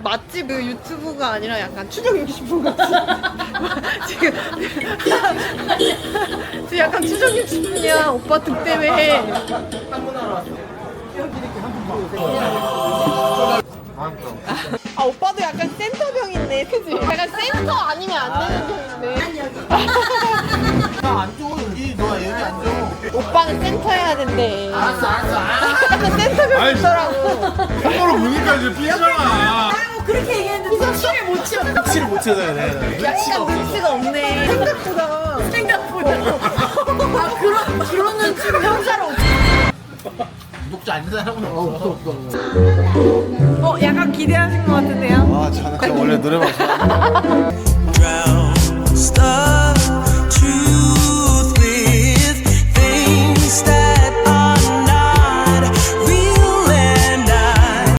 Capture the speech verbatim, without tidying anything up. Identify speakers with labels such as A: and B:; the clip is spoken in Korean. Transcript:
A: 맛집 그 유튜브가 아니라 약간 추적 육십 분 같이 지금 지금 약간 추적 육십 분이야. 오빠 득대회.
B: 한분하러 왔어. 여기 이렇게 한분 봐.
A: 아 오빠도 약간 센터병인데 그치? 약간 센터 아니면 안 되는 병인데.
B: 나안 줘. 여기 너 여기 안 줘.
A: 오빠는 센터 해야 된대.
B: 알았어 알았어. 알았어.
A: 약간 센터병
C: 아이씨.
A: 있더라고.
C: 손으로 보니까 이제 삐잖아.
A: 그렇게 얘기했는데 눈치를 못 채워.
B: 눈치를 못 채서야 돼.
A: 약간 눈치가 없네. 생각보다. 생각보다. 아 그런 그런 눈치를 형사로.
B: 구독자 아닌 사람은 없어.
A: 어 약간 기대하신 것 같은데요?
B: 아 저는 원래 노래방 좋아하는데.